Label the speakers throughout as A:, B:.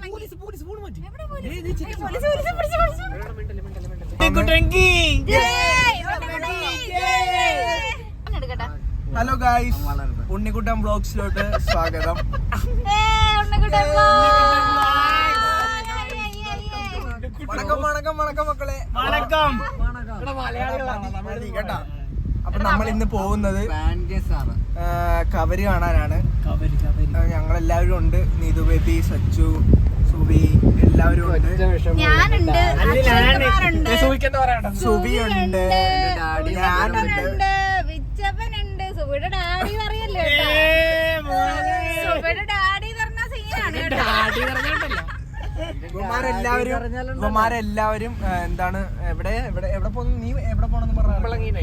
A: Hello guys, Unnikuttan വ്ലോഗ്സിലോട്ട് സ്വാഗതം. വണക്കം വണക്കം വണക്കം മക്കളെ, വണക്കം കേട്ടാ. അപ്പൊ നമ്മൾ ഇന്ന് പോകുന്നത് കവര് കാണാനാണ്. ഞങ്ങളെല്ലാവരും ഉണ്ട്. നീതു ബേബി, സച്ചു, സുബി എല്ലാവരും ഉണ്ട്. സുബി ഉണ്ട്, ഞാനുണ്ട്,
B: വിച്ചപ്പനുണ്ട്, സുബിയുടെ ഡാഡി പറയല്ലോ. സുബിയുടെ ഡാഡി പറഞ്ഞ സീനാണ്.
A: ഇവന്മാരെല്ലാവരും എന്താണ് എവിടെ എവിടെ എവിടെ പോകുന്നു? നീ എവിടെ പോണെന്ന് പറഞ്ഞു?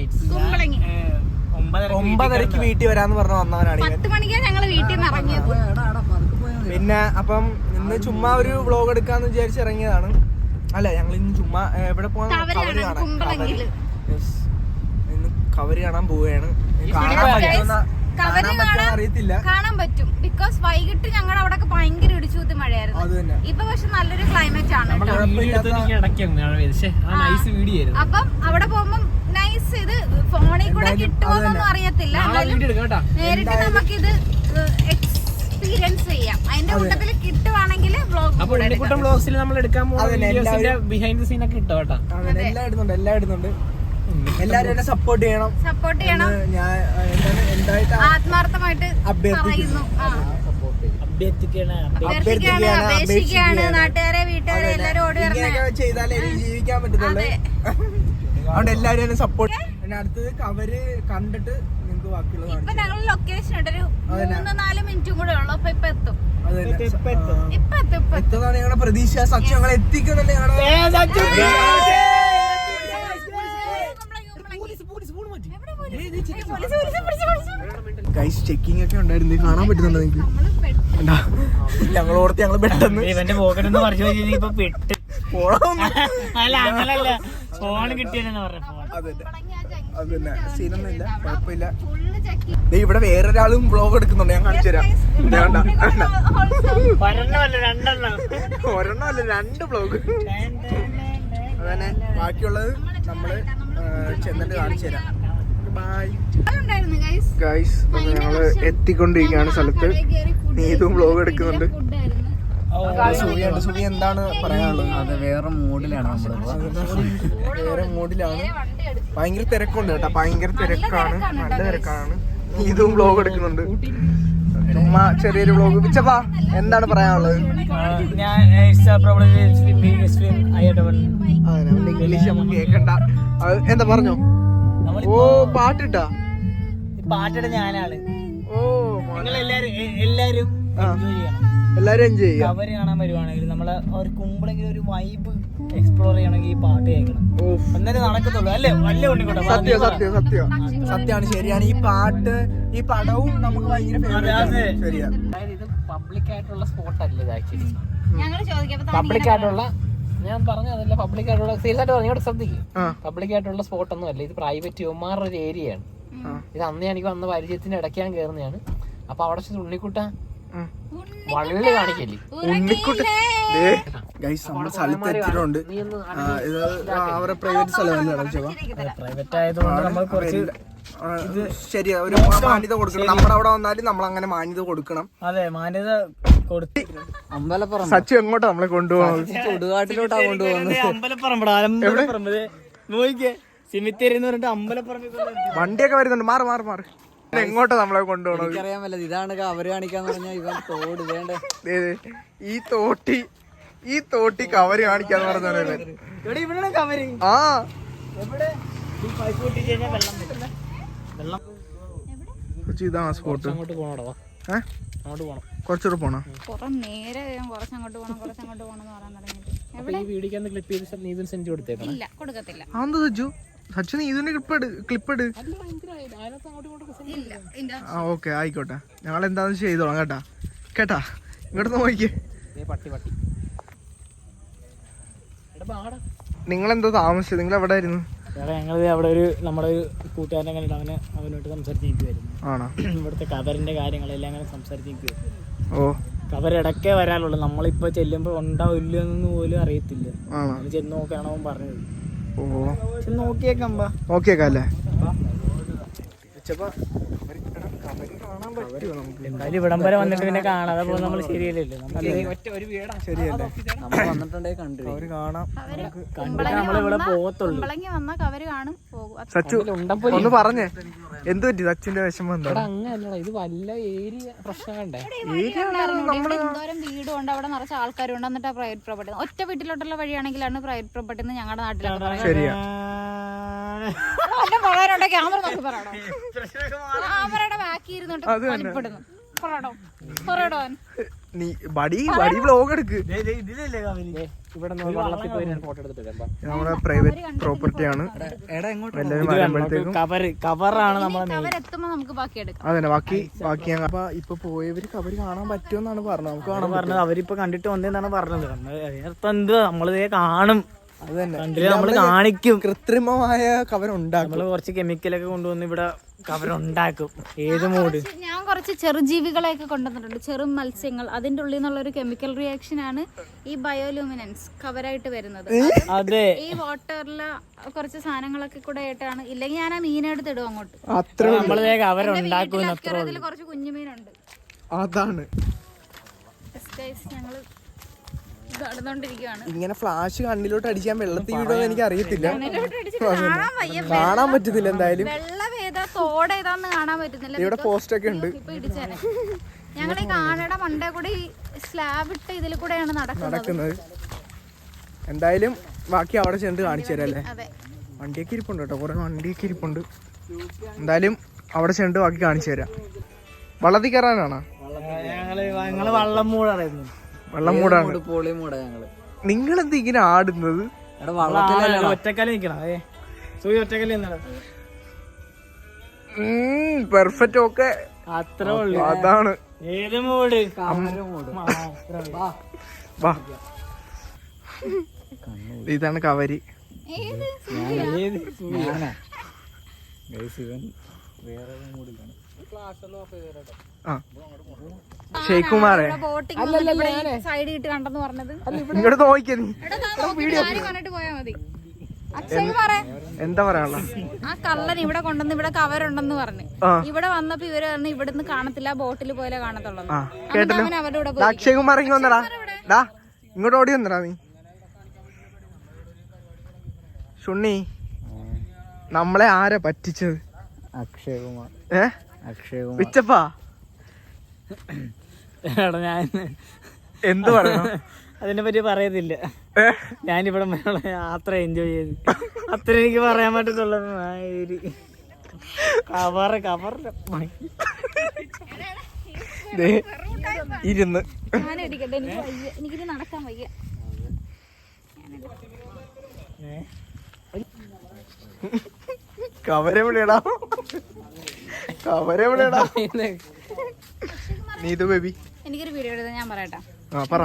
A: 9:30 വീട്ടിൽ വരാന്ന് പറഞ്ഞു വന്നവനാണ്.
B: 10 മണിക്കാണ് ഞങ്ങള് വീട്ടിൽ നിന്ന് ഇറങ്ങിയത്.
A: പിന്നെ അപ്പം ഇന്ന് ചുമ്മാ ഒരു വ്ലോഗ് എടുക്കാന്ന് വിചാരിച്ച് ഇറങ്ങിയതാണ്. അല്ല, ഞങ്ങൾ ഇന്ന് ചുമ്മാ എവിടെ പോകാൻ? കവര് കാണാൻ. ഇന്ന് കവര് കാണാൻ പോവുകയാണ്. അറിയത്തില്ല,
B: കാണാൻ പറ്റും. ബിക്കോസ് വൈകിട്ട് ഞങ്ങളുടെ അവിടെ ഭയങ്കര ഇടിച്ചുകൂത്തി മഴയായിരുന്നു. ഇപ്പൊ പക്ഷെ നല്ലൊരു ക്ലൈമറ്റ് ആണ്. അപ്പം അവിടെ പോകുമ്പോ നൈസ്. ഇത് ഫോണിൽ കൂടെ കിട്ടുമോന്നൊന്നും അറിയത്തില്ല. നേരിട്ട് നമുക്കിത് എക്സ്പീരിയൻസ് ചെയ്യാം. അതിന്റെ കൂട്ടത്തിൽ കിട്ടുവാണെങ്കിൽ
C: വ്ലോഗ്സിൽ നമ്മൾ എടുക്കാൻ പോകുന്ന ബിഹൈൻഡ് ദ സീൻ ഒക്കെ ഇട്ടോ കേട്ടോ.
A: എല്ലാം ഇടുന്നുണ്ട്. എല്ലാരും എന്നെ സപ്പോർട്ട് ചെയ്യണം. ഞാൻ എന്തായിട്ട്
B: ആത്മാർത്ഥമായിട്ട് പറയുന്നു. അപേക്ഷിക്കുകയാണ്. നാട്ടുകാരെ, വീട്ടുകാരെ എല്ലാരും ഓടി
A: ചെയ്താലേ എനിക്ക് ജീവിക്കാൻ പറ്റത്തുള്ളൂ. അതുകൊണ്ട് എല്ലാരും എന്നെ സപ്പോർട്ട്. പിന്നെ അടുത്തത് കവര് കണ്ടിട്ട് നിങ്ങൾക്ക് ബാക്കിയുള്ളത്.
B: ഇപ്പൊ ഞങ്ങൾ ലൊക്കേഷൻ ഉണ്ട്. ഒരു 3-4 മിനിറ്റും കൂടെ ഉള്ളു. അപ്പൊ ഇപ്പൊ എത്തും.
A: എത്തുന്നതാണ് ഞങ്ങളുടെ പ്രതീക്ഷ. സച്ചു ഞങ്ങളെ എത്തിക്കുന്നുണ്ട്. ഗൈസ്, ചെക്കിംഗ് ഒക്കെ ഉണ്ടായിരുന്നു. കാണാൻ പറ്റുന്നുണ്ടോ നിങ്ങൾക്ക്? ഞങ്ങൾ ഓർത്ത് ഞങ്ങൾ പെട്ടെന്ന്
C: ഇവന്റെ പോക്കറ്റെന്ന് പറഞ്ഞു ഫോൺ കിട്ടിയെന്ന് പറഞ്ഞു.
A: അതന്നെ, സീനൊന്നുമില്ല, കുഴപ്പമില്ല. ഇവിടെ വേറൊരാളും വ്ലോഗ് എടുക്കുന്നുണ്ട്. ഞാൻ കാണിച്ചു തരാം. ഒരെണ്ണമല്ല, 2 വ്ലോഗ്. അതന്നെ, ബാക്കിയുള്ളത് നമ്മള് ചെന്നിട്ട് കാണിച്ചു തരാം. ഗൈസ്, ഞങ്ങള് എത്തിക്കൊണ്ടിരിക്കുകയാണ് സ്ഥലത്ത്. നീതും വ്ലോഗ് എടുക്കുന്നുണ്ട്. സുബി എന്താണ് പറയാനുള്ളത്?
D: അത് വേറെ മൂഡിലാണ്.
A: വേറെ മൂഡിലാണ്. ഭയങ്കര തിരക്കുണ്ട് കേട്ടോ. ഭയങ്കര തിരക്കാണ്, നല്ല തിരക്കാണ്. നീതും വ്ലോഗ് എടുക്കുന്നുണ്ട്. ചുമ്മാ ചെറിയൊരു വ്ലോഗ്. വിച്ചപ്പാ, എന്താണ് പറയാനുള്ളത്? ഇംഗ്ലീഷ് നമുക്ക് കേക്കണ്ട. എന്താ പറഞ്ഞോ? ഓ, പാട്ടിട്ടാ?
C: പാട്ടിട്ട് ഞാനാണ്.
A: ഓ,
C: എല്ലാരും
A: എൻജോയ് ചെയ്യാം.
C: കവര് കാണാൻ വരുവാണെങ്കിൽ നമ്മള് ഒരു കുമ്പളെങ്കിലും ഒരു വൈബ് എക്സ്പ്ലോർ ചെയ്യണമെങ്കിൽ ഈ പാട്ട് കേൾക്കണം. എന്നാലും നടക്കത്തുള്ളൂ അല്ലേ? വല്ല ഉണ്ണിക്കോട്ടെ.
A: സത്യമാണ്, ശരിയാണ്. ഈ പാട്ട്, ഈ പടവും നമുക്ക് ഭയങ്കര ശരിയാ.
C: അതായത് ഇത് പബ്ലിക് ആയിട്ടുള്ള സ്പോട്ട് അല്ല ഇത്. ആക്ച്വലി പബ്ലിക് ആയിട്ടുള്ള, ഞാൻ പറഞ്ഞതല്ല, പബ്ലിക് ആയിട്ടുള്ള, സീരിയസ് ആയിട്ട് പറഞ്ഞോട് ശ്രദ്ധിക്കും. പബ്ലിക് ആയിട്ടുള്ള സ്പോട്ട് ഒന്നും അല്ല ഇത്. പ്രൈവറ്റ് യുവമാരുടെ ഒരു ഏരിയയാണ് ഇത്. അന്ന് എനിക്ക് വന്ന പരിചയത്തിന് ഇടയ്ക്ക് ഞാൻ കയറുന്നതാണ്. അപ്പൊ അവിടെ ഉണ്ണിക്കുട്ട വള്ളി കാണിക്കല്ലേ.
A: നമ്മുടെ സ്ഥലത്ത് എത്തിയിട്ടുണ്ട്. ഇത് അവരുടെ പ്രൈവറ്റ് സ്ഥലമല്ലേ?
C: പ്രൈവറ്റ് ആയതുകൊണ്ട് നമ്മൾ കുറച്ച്
A: ഇത് ശരിയാ, ഒരു മാന്യത കൊടുക്കണം. നമ്മുടെ അവിടെ വന്നാലും നമ്മൾ അങ്ങനെ മാന്യത കൊടുക്കണം.
C: അതെ, മാന്യത കൊടുത്ത്.
D: അമ്പലപ്പുറം
A: സച്ചു എങ്ങോട്ടാ നമ്മളെ കൊണ്ടുപോകുന്നത്?
D: ചുടുകാട്ടിലോട്ടാ കൊണ്ടുപോകുന്നത്.
C: അമ്പലപ്പറമ്പ് നോക്കിക്കേ, സിമിത്തേരി എന്ന് പറഞ്ഞിട്ട് അമ്പലപ്പറമ്പ്
A: വണ്ടിയൊക്കെ വരുന്നുണ്ട്. മാറി എങ്ങോട്ടാ നമ്മളെ കൊണ്ടുപോകണത്?
D: എനിക്കറിയാൻ പറ്റില്ല. ഇതാണ് കവര് കാണിക്കാന്ന് പറഞ്ഞാൽ ഇവൻ തോട് വേണ്ട.
A: ഈ തോട്ടി കവര് കാണിക്കാന്ന് പറഞ്ഞ ആ ഇതാണ് സ്പോട്ട്.
C: അങ്ങോട്ട് പോണോ? അങ്ങോട്ട് പോണം.
A: കുറച്ചുകൂടെ പോണോ?
B: നേരെ കുറച്ചങ്ങോട്ട് പോകണം പറയാൻ തുടങ്ങിയിട്ട്.
C: ഈ വീഡിയോക്ക് ക്ലിപ്പ് ചെയ്ത് നീതിന് സെന്റ് കൊടുത്തേക്കണം.
B: ഇല്ല, കൊടുക്കത്തില്ല.
A: അതെന്താ സച്ചു നീതിന്റെ ക്ലിപ്പ് ഇട്. ആ, ഓക്കെ, ആയിക്കോട്ടെ. ഞങ്ങൾ എന്താന്ന് ചെയ്തോളാം കേട്ടാ. ഇങ്ങോട്ട് നോക്കിക്കേ. നിങ്ങളെന്താ താമസിച്ചത്? നിങ്ങൾ എവിടെ ആയിരുന്നു?
C: ഞങ്ങൾ അവിടെ ഒരു നമ്മുടെ ഒരു കൂട്ടുകാരനെ കണ്ടിട്ട് അവനോട്ട് സംസാരിച്ചിരിക്കുവായിരുന്നു.
A: ആണോ?
C: ഇവിടുത്തെ കവറിന്റെ കാര്യങ്ങളെല്ലാം അങ്ങനെ സംസാരിച്ചിരിക്കുവായിരുന്നു.
A: ഓ,
E: കവരിടക്കേ വരാനുള്ളൂ. നമ്മളിപ്പോ ചെല്ലുമ്പോ ഉണ്ടാവില്ലെന്ന് പോലും അറിയത്തില്ല. ചെന്ന് നോക്കാണോ പറഞ്ഞത്. ചെന്ന് നോക്കിയേക്കാ
A: നോക്കിയേക്കല്ലേ.
E: എന്തായാലും ഇവിടം വരെ വന്നിട്ട് പിന്നെ കാണാതെ പോകുന്നത് നമ്മൾ ശരിയല്ലല്ലോ.
A: ശരിയല്ലേ,
D: നമ്മൾ വന്നിട്ടുണ്ടെങ്കിൽ കണ്ടു
A: അവര് കാണാം.
E: കണ്ടിട്ട് നമ്മളിവിടെ പോകത്തുള്ളൂ.
A: സച്ചു ഒന്ന് പറഞ്ഞേ, എന്ത് പറ്റി സച്ചിന്റെ വിഷമം എന്താ?
C: അങ്ങനല്ലടാ, ഇത് വല്ല ഏരിയ പ്രശ്നമുണ്ടേ.
B: എന്തോരം വീടുണ്ട് അവിടെ, നിറച്ച ആൾക്കാരുണ്ട്. എന്നിട്ട് പ്രൈവറ്റ് പ്രോപ്പർട്ടി ഒറ്റ വീട്ടിലോട്ടുള്ള വഴിയാണെങ്കിലാണ് പ്രൈവറ്റ് പ്രോപ്പർട്ടി എന്ന് ഞങ്ങളുടെ നാട്ടിലൊക്കെ പറയുന്നത്.
A: ശരിയാ.
B: ക്യാമറ നോക്കി പറയണോ? ക്യാമറയുടെ ബാക്കി ഇരുന്നിട്ട് വലിപ്പെടുന്നു.
A: നീ ബടി വ്ലോഗ് എടുക്ക്.
C: ഇവിടെ വെള്ളത്തിൽ പോയി ഫോട്ടോ എടുത്തിട്ട്
A: നമ്മുടെ പ്രൈവറ്റ് പ്രോപ്പർട്ടിയാണ്.
E: കവറാണ് നമ്മളെ.
B: കവരെത്തുമ്പോ നമുക്ക് ബാക്കി എടുക്കാം.
A: അതന്നെ, ബാക്കി അപ്പൊ ഇപ്പൊ പോയവര് കവര് കാണാൻ പറ്റുമെന്നാണ് പറഞ്ഞത്. നമുക്ക് കാണാൻ
E: പറഞ്ഞത് അവരിപ്പൊ കണ്ടിട്ട് വന്നതെന്നാണ് പറഞ്ഞത്. അതിനർത്ഥം എന്ത്, നമ്മളിതേ കാണും.
A: അത് തന്നെ,
E: നമ്മള് കാണിക്കും.
A: കൃത്രിമമായ കവരുണ്ടാക്കും.
E: നമ്മള് കുറച്ച് കെമിക്കലൊക്കെ കൊണ്ടുവന്ന് ഇവിടെ കവരുണ്ടാക്കും. ഏത് മൂഡ്.
B: ഞാൻ കുറച്ച് ചെറുജീവികളെയൊക്കെ കൊണ്ടുവന്നിട്ടുണ്ട്, ചെറു മത്സ്യങ്ങൾ. അതിന്റെ ഉള്ളിൽ നിന്നുള്ള ഒരു കെമിക്കൽ റിയാക്ഷൻ ആണ് ഈ ബയോലൂമിനൻസ് കവറായിട്ട് വരുന്നത്.
E: അതെ,
B: ഈ വാട്ടറിലെ കുറച്ച് സാധനങ്ങളൊക്കെ കൂടെ ആയിട്ടാണ്. ഇല്ലെങ്കിൽ ഞാൻ ആ മീനെടുത്ത് ഇടും അങ്ങോട്ട്.
E: നമ്മള് കവരുണ്ടാക്കും.
B: അതിൽ കുറച്ച് കുഞ്ഞുമീനുണ്ട്.
A: അതാണ്
B: ഞങ്ങള് നടന്നോണ്ടിരിക്കുകയാണ്.
A: ഇങ്ങനെ ഫ്ലാഷ് കണ്ണിലോട്ട് അടിക്കാൻ വെള്ളത്തിൽ വീടുമെന്ന് എനിക്ക് അറിയത്തില്ല. കാണാൻ പറ്റുന്നില്ല. എന്തായാലും
B: വെള്ളം ഏതാ തോട് ഏതാന്ന് കാണാൻ പറ്റുന്നില്ല.
A: ഇവിടെ പോസ്റ്റ് ഒക്കെ ഉണ്ട്.
B: ഇപ്പൊ ഇടിച്ചേനെ. ഞങ്ങൾ ഈ കാണയുടെ മണ്ടേ കൂടെ ഈ സ്ലാബ് ഇട്ട് ഇതിൽ കൂടെയാണ് നടക്കുന്നത്.
A: എന്തായാലും ബാക്കി അവിടെ ചെന്ന് കാണിച്ചു തരാം അല്ലേ.
B: അതെ,
A: വണ്ടിയൊക്കെ ഇരിപ്പുണ്ട് കേട്ടോ, കുറെ വണ്ടിയൊക്കെ ഇരിപ്പുണ്ട്. എന്തായാലും അവിടെ ചെന്ന് ബാക്കി കാണിച്ചു തരാം. വള്ളത്തിൽ കയറാനാണോ?
E: ഞങ്ങള് വള്ളം മൂടായിരുന്നു.
A: വെള്ളം മൂടാണ്.
D: പൊളി മൂടാ ഞങ്ങള്.
A: നിങ്ങളെന്ത് ഇങ്ങനെ ആടുന്നത്?
E: ഒറ്റക്കാലം നിക്കണം. ഒറ്റക്കാലം
A: പെർഫെക്റ്റ്. ഓക്കെ,
E: അത്രേ ഉള്ളൂ.
A: അതാണ്
E: ഏത് മൂട്.
A: വാ, ഇതാണ് കവരി. ഷെയ്ഖുമാറേ,
B: സൈഡ് ഇട്ട് കണ്ടെന്ന് പറഞ്ഞത്.
A: ഇങ്ങോട്ട് നോക്കിയ നീ.
B: കണ്ടിട്ട് പോയാ മതി. അക്ഷയ് പറ,
A: എന്താ പറയാനുള്ള?
B: ആ കള്ളൻ ഇവിടെ കൊണ്ടുവന്ന് ഇവിടെ കവറുണ്ടെന്ന് പറഞ്ഞു. ഇവിടെ വന്നപ്പോ ഇവര് പറഞ്ഞു ഇവിടുന്ന് കാണത്തില്ല, ബോട്ടിൽ പോലെ കാണത്തുള്ളൂ. അവരുടെ കൂടെ
A: അക്ഷയകുമാർ ഇങ്ങ് വന്നടാ. ഡാ ഇങ്ങോട്ട് ഓടി വന്നടാ നീ. ഷുണ്ണി, നമ്മളെ ആരാ പറ്റിച്ചത്?
D: അക്ഷയകുമാർ. അക്ഷയകുമാർ
A: വിച്ചപ്പാ,
E: ഞാൻ
A: എന്ത് പറയണം
E: അതിനെ പറ്റി പറയത്തില്ല. ഞാനിവിടെ യാത്ര എൻജോയ് ചെയ്ത് അത്ര എനിക്ക് പറയാൻ പറ്റത്തുള്ളൂ.
A: ഇരുന്ന്
B: എനിക്കിനി നടക്കാൻ വയ്യ.
A: കവരെവിടെടാ, കവരെവിടെടാ? നീതു ബേബി,
B: എനിക്കൊരു വീഡിയോ എടുത്താൽ ഞാൻ പറയട്ടെ.
A: പറ.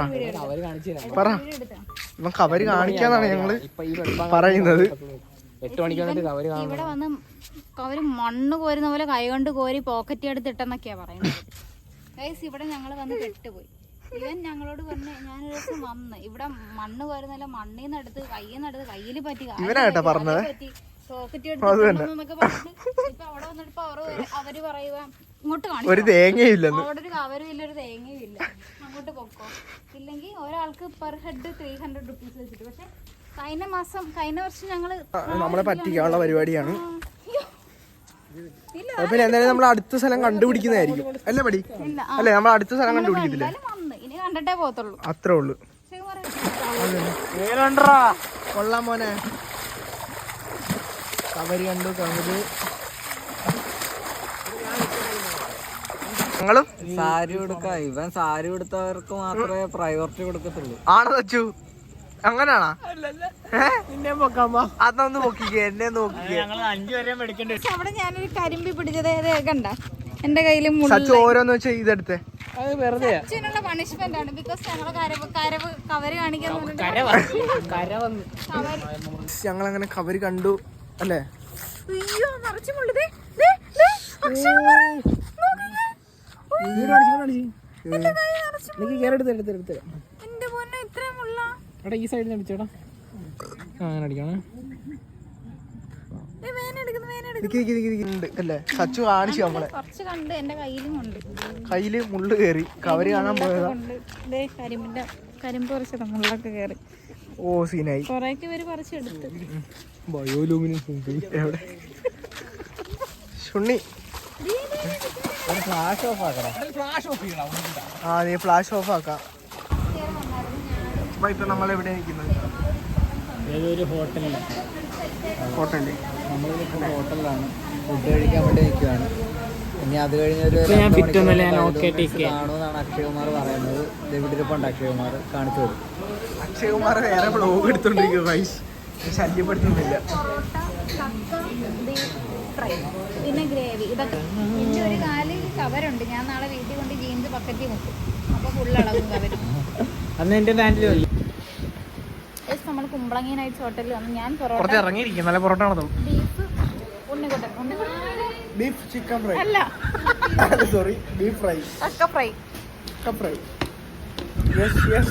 A: ഇവൻ കവര് കാണിക്കാന്നാണ് ഞങ്ങള് പറയുന്നത്.
C: 8 മണിക്ക് വന്നിട്ട് കവര് കാണും.
B: ഇവിടെ വന്ന് കവര് മണ്ണ് കോരുന്ന പോലെ കൈകൊണ്ട് കോരി പോക്കറ്റ് എടുത്ത് ഇട്ടെന്നൊക്കെയാ പറയുന്നത്. ഗൈസ്, ഇവിടെ ഞങ്ങള് വന്ന് പെട്ടുപോയി. ഇവൻ ഞങ്ങളോട് പറഞ്ഞ ഞാനൊരു ദിവസം വന്ന് ഇവിടെ മണ്ണ് കോരുന്നല്ല, മണ്ണിന്ന് എടുത്ത് കയ്യിന്ന് കയ്യിൽ പറ്റി
A: പറഞ്ഞത്
B: പോക്കറ്റ് എടുത്ത് പറഞ്ഞു. ഇപ്പൊ അവിടെ വന്നിട്ട് അവര് പറയുക ഇങ്ങോട്ട് കാണിച്ചു,
A: ഒരു തേങ്ങയില്ല,
B: അവിടെ ഒരു കവരും ഇല്ല, ഒരു തേങ്ങയും ഇല്ല, അങ്ങോട്ട് പൊക്കോ. ഇല്ലെങ്കിൽ ഒരാൾക്ക് പെർ ഹെഡ് 300 റുപ്പീസ് വെച്ചിട്ട്. പക്ഷെ കഴിഞ്ഞ വർഷം ഞങ്ങള്
A: നമ്മളെ പറ്റിക്കാനുള്ള പരിപാടിയാണ്. എന്തായാലും നമ്മൾ അടുത്ത സ്ഥലം കണ്ടുപിടിക്കുന്നതായിരിക്കും അല്ലേ പടി? അല്ലെ, നമ്മൾ അടുത്ത സ്ഥലം കണ്ടുപിടിക്കത്തില്ലേ?
B: ഇനി കണ്ടിട്ടേ പോകത്തുള്ളൂ,
A: അത്രേ ഉള്ളു. കൊള്ളാം മോനെ, കവര് കണ്ടു. കവര് ഞങ്ങളും
D: സാരി കൊടുക്ക. ഇവൻ സാരി കൊടുത്തവർക്ക് മാത്രമേ പ്രയോറിറ്റി കൊടുക്കത്തുള്ളൂ.
A: ആണോ തച്ചു? അങ്ങനാണാ? അതൊന്ന് നോക്കിക്കേ, എന്നെ നോക്കിക്കേ.
B: അവിടെ ഞാനൊരു കരിമ്പി പിടിച്ചത് കണ്ട എന്റെ കയ്യില്.
A: സച്ചു ഓരോന്ന് വെച്ചാ ഇതെടുത്തേ.
B: സച്ചിനുള്ള പണിഷ്മെന്റ് ആണ്. ബിക്കോസ് ഞങ്ങളെ കവര് കാണിക്കാൻ
A: ഞങ്ങളങ്ങനെ കവര് കണ്ടു അല്ലേ?
B: അയ്യോ, നിറച്ചു മുള്ളത്.
C: എനിക്ക് കയറി എടുത്ത്
B: എന്റെ പൊന്നെ ഇത്രയും മുള്ള.
C: എടാ ഈ സൈഡിൽ നിന്ന് അടിച്ചോടാ. അങ്ങനെ അടിക്കണേ.
A: അല്ലേ സച്ചു കാണിച്ചു നമ്മളെ.
B: കുറച്ച് കണ്ട് എന്റെ കയ്യിലും ഉണ്ട്.
A: കയ്യില് മുള്ളു കയറി കവര് കാണാൻ പോയതാ.
B: കരിമ്പ് പറിച്ചതാ മുള്ളൊക്കെ കയറി.
A: ഓ സീനായി.
B: കൊറേയൊക്കെ ഇവര് പറിച്ചെടുത്ത്.
A: എവിടെ ഷുണ്ണി
D: ഫ്ലാഷ് ഓഫ് ആക്കണം.
A: ആ നീ ഫ്ലാഷ് ഓഫ് ആക്കാം. ഇപ്പൊ നമ്മളെവിടെ നിൽക്കുന്നത്?
E: ഏതൊരു ഹോട്ടലിൽ.
A: ഹോട്ടലിൽ
D: നമ്മളിപ്പോൾ ഹോട്ടലിലാണ് ഫുഡ് കഴിക്കാൻ വേണ്ടി നിൽക്കുകയാണ്. ഇനി അത് കഴിഞ്ഞൊരു കാണുമെന്നാണ് അക്ഷയകുമാർ പറയുന്നത്. ഇവിടെ ഇരിപ്പുണ്ട് അക്ഷയകുമാർ, കാണിച്ചു തരും.
A: അക്ഷയകുമാർ വേറെ വ്ലോഗ് എടുത്തോണ്ടിരിക്കും. വൈസ് ശല്യപ്പെടുത്തുന്നില്ല.
B: പിന്നെ ഗ്രേവി ഇതൊക്കെ. പിന്നെ ഒരു കാല് കവറുണ്ട്. ഞാൻ നാളെ വീട്ടിൽ കൊണ്ട് ജീൻസ് ബക്കറ്റിൽ മുക്കും. അപ്പൊ ഫുള്ളളവും കവരും.
E: അന്ന് എന്റെ ബാൻഡിൽ
B: നമ്മൾ കുമ്പളങ്ങി നൈറ്റ്സ് ഹോട്ടലിൽ വന്ന് ഞാൻ
C: പുറത്ത് ഇറങ്ങിയിരിക്കും. നല്ല parotta
B: beef Unnikuttan
A: beef chicken fry
B: അല്ല
A: സോറി ബീഫ് ഫ്രൈ
B: കക്ക ഫ്രൈ
A: ഫ്രൈ. യെസ് യെസ്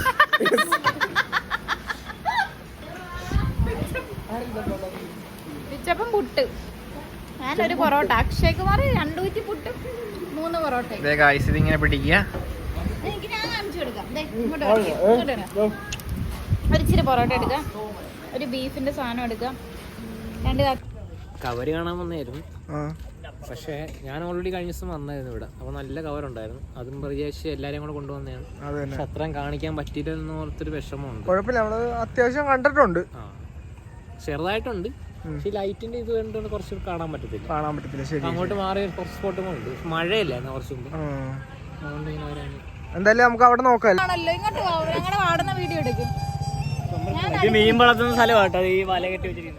B: പിച്ചപ്പം പുട്ട്. ഞാനൊരു പൊറോട്ട. അക്ഷയകുമാർ 2 കുറ്റി പുട്ട് 3 പൊറോട്ട.
C: ഇതിങ്ങനെ പിടിക്കുക.
B: എനിക്ക് ഞാൻ കാണിച്ചു കൊടുക്കാം. ഇങ്ങോട്ട് ഒരു ഇച്ചിരി പൊറോട്ട എടുക്കാം. ഒരു ബീഫിന്റെ സാധനം എടുക്കാം. 2
C: കവര് കാണാൻ വന്നായിരുന്നു. പക്ഷേ ഞാൻ ഓൾറെഡി കഴിഞ്ഞ ദിവസം വന്നായിരുന്നു ഇവിടെ. അപ്പോൾ നല്ല കവറുണ്ടായിരുന്നു. അതും പ്രത്യേകിച്ച് എല്ലാവരെയും കൂടെ കൊണ്ടുവന്നതാണ്. പക്ഷെ അത്രയും കാണിക്കാൻ പറ്റിയില്ലെന്ന് ഓർത്തൊരു വിഷമമുണ്ട്.
A: കുഴപ്പമില്ല, നമ്മള് അത്യാവശ്യം കണ്ടിട്ടുണ്ട്.
C: ചെറുതായിട്ടുണ്ട്. പക്ഷെ ലൈറ്റിന്റെ ഇത് കണ്ടുകൊണ്ട് കുറച്ച് കാണാൻ പറ്റത്തില്ല. ശരി, അങ്ങോട്ട് മാറിയ കുറച്ച് സ്പോട്ടും ഉണ്ട്. മഴയല്ലായിരുന്നു കുറച്ച് മുമ്പ്. അതുകൊണ്ട് ഇങ്ങനെ വരാൻ
A: എന്തായാലും നമുക്ക് അവിടെ നോക്കാം.
B: ഇങ്ങോട്ട് ഞങ്ങളുടെ വാടുന്ന വീഡിയോ എടുക്കും.
E: മീൻ വളർത്തുന്ന സ്ഥലമാട്ടോ ഈ വല കെട്ടി വെച്ചിരിക്കുന്നത്.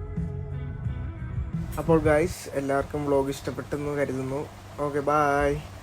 A: അപ്പോൾ ഗൈസ് എല്ലാവർക്കും വ്ലോഗ് ഇഷ്ടപ്പെട്ടെന്ന് കരുതുന്നു. Okay by.